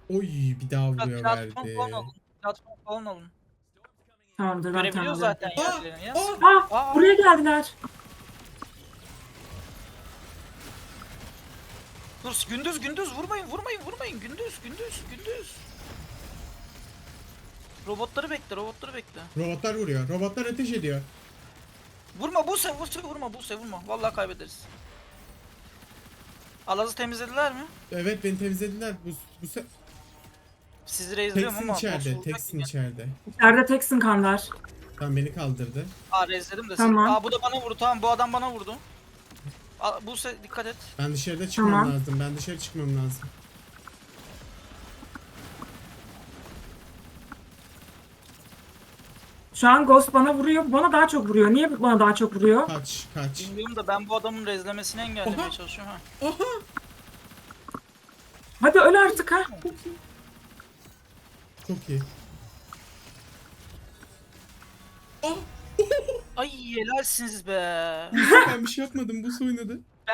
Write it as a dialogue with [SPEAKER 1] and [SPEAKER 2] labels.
[SPEAKER 1] Oy, bir daha vuruyor
[SPEAKER 2] Platform falan
[SPEAKER 1] verdi.
[SPEAKER 2] alın. Platform falan alın.
[SPEAKER 3] Tamamdır, ben
[SPEAKER 2] Görebiliyor
[SPEAKER 3] tamamladım.
[SPEAKER 2] zaten
[SPEAKER 1] Aa,
[SPEAKER 2] yerlerini ya.
[SPEAKER 1] aa,
[SPEAKER 3] Buraya geldiler.
[SPEAKER 2] Dur, gündüz vurmayın. Gündüz. Robotları bekle.
[SPEAKER 1] robotlar vuruyor. Robotlar ateş ediyor.
[SPEAKER 2] Vurma Buse vurma. Vallahi kaybederiz. Alaz'ı temizlediler mi?
[SPEAKER 1] Evet, beni temizlediler. Bu
[SPEAKER 2] Sizi rezliyorum
[SPEAKER 1] teksin
[SPEAKER 2] ama nasıl
[SPEAKER 1] içeride.
[SPEAKER 2] olacak ki?
[SPEAKER 1] Teksin içeride.
[SPEAKER 3] İçeride teksin Kandar.
[SPEAKER 1] Tam beni kaldırdı.
[SPEAKER 2] Aa rezledim de siz.
[SPEAKER 3] Tamam.
[SPEAKER 2] Aa bu da bana vurdu, tamam, bu adam bana vurdu. Aa, Buse dikkat et.
[SPEAKER 1] Ben dışarıda çıkmam
[SPEAKER 3] Tamam.
[SPEAKER 1] lazım. Ben dışarı çıkmam lazım.
[SPEAKER 3] Şu an Ghost bana vuruyor. Bana daha çok vuruyor. Niye bana daha çok vuruyor?
[SPEAKER 1] Kaç.
[SPEAKER 2] Bilmiyorum da ben bu adamın rezlemesini engellemeye
[SPEAKER 1] Oha.
[SPEAKER 2] çalışıyorum ha.
[SPEAKER 1] Aha.
[SPEAKER 3] Hadi öl artık ha.
[SPEAKER 1] Çok iyi. Ah.
[SPEAKER 2] Ay helalsiniz be.
[SPEAKER 1] Ben bir şey yapmadım. Bu oynadı.